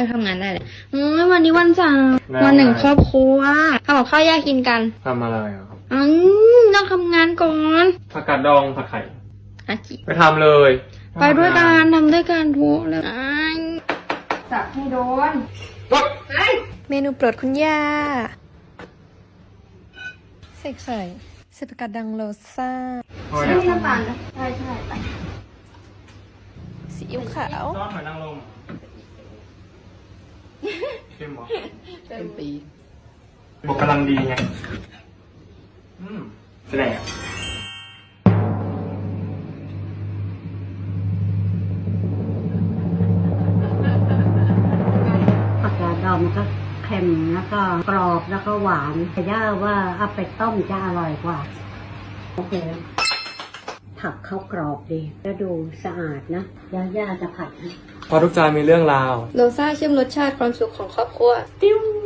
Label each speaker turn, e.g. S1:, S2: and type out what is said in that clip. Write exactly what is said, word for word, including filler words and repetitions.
S1: จะทำงานได้เลยอืมวันนี้วันจันทร์วันหนึ่งครอบครัวทำกับข้าวแยกกินกัน
S2: ทำอะไรอ่ะครับ
S1: อืมต้องทำงานก่อน
S2: ผักกาดดองผัดไข่
S1: อากิ
S2: ไปทำเลย
S1: ไปด้วยกันทำด้วยกันทุกเลยจับให้โดน
S3: เมนูโปรดคุณย่าใส่ไข่ใส่ผักกาดดังโรซ่า
S1: ใช่น้ำตาลนะใช่ใช่ไป
S3: ซีอิ๊วขาว
S2: ซอสหอยนางรมเข้มหรอ
S1: เป็นปี
S2: บอกกำลังดีไงอืมแสดง
S4: ผักกาดดองมันก็เค็มแล้วก็กรอบแล้วก็หวานแต่ย่าว่าเอาไปต้มจะอร่อยกว่าโอเคผักเขากรอบดีแล้วดูสะอาดนะย่าย่าจะผัดให้
S2: พอทุกจานมีเรื่องราว
S1: โรซ่าเชื่อมรสชาติความสุขของครอบครัว
S2: ติ้ว